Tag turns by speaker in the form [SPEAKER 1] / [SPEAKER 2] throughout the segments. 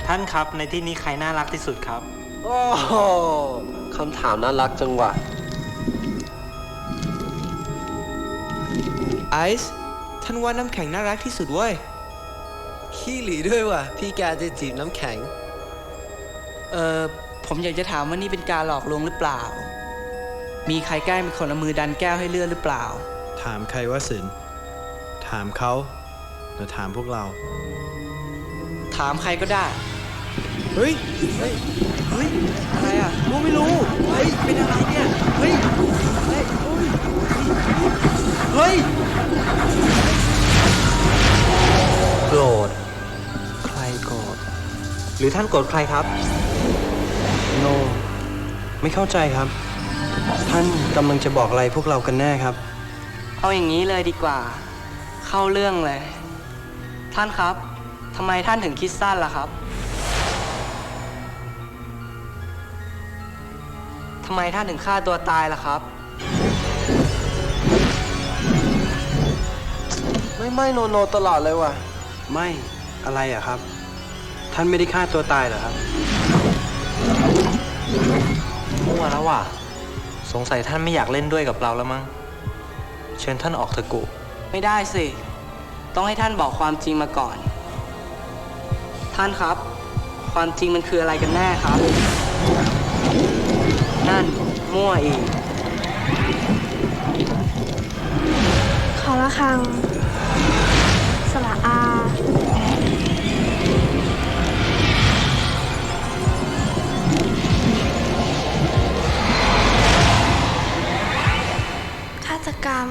[SPEAKER 1] ท่านครับในที่นี้ใครน่ารักที่สุดครับ
[SPEAKER 2] โอ้โหคำถามน่ารักจังวะ
[SPEAKER 3] ไอซ์ท่านว่าน้ำแข็งน่ารักที่สุดเว้ย
[SPEAKER 2] ขี้หลีด้วยว่ะ พี่แกจะจีบน้ำแข็ง
[SPEAKER 4] ผมอยากจะถามว่านี่เป็นการหลอกลวงหรือเปล่า มีใครแกล้งเป็นคนเอามือดันแก้วให้เลื่อนหรือเปล่า
[SPEAKER 5] ถามใครว่าสินถามเขาหรือถามพวกเรา
[SPEAKER 4] ถามใครก็ได้
[SPEAKER 3] เฮ้ย เฮ้ย เฮ้ย อะไรอ่ะรู้ไม่รู้ เฮ้ย เป็นอะไรเนี่ย เฮ้ย เฮ้ย เฮ้ย
[SPEAKER 1] โกรธใครโกรธหรือท่านโกรธใครครับโนไม่เข้าใจครับ ท่านกำลังจะบอกอะไรพวกเรากันแน่ครับ
[SPEAKER 4] เอาอย่างนี้เลยดีกว่า เข้าเรื่องเลย ท่านครับทำไมท่านถึงคิดสั้นล่ะครับทำไมท่านถึงฆ่าตัวตายล่ะครับ
[SPEAKER 2] ไม่โนตลอดเลยว่ะ
[SPEAKER 1] ไม่อะไรอะครับ ท่านไม่ได้ฆ่าตัวตายเหรอครับมั่วแล้วว่ะสงสัยท่านไม่อยากเล่นด้วยกับเราแล้วมั้งเชิญท่านออกเถอะกุ
[SPEAKER 4] ไม่ได้สิ ต้องให้ท่านบอกความจริงมาก่อน ท่านครับ ความจริงมันคืออะไรกันแน่ครับ นั่นมั่วอีก
[SPEAKER 6] ขอละครังสระอาฆาตกรรม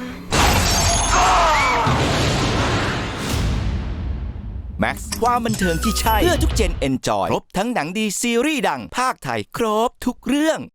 [SPEAKER 7] แม็กซ์ความบันเทิงที่ใช่ เพื่อทุกเจนเอนจอย ครบทั้งหนังดีซีรีส์ดังภาคไทย ครบทุกเรื่อง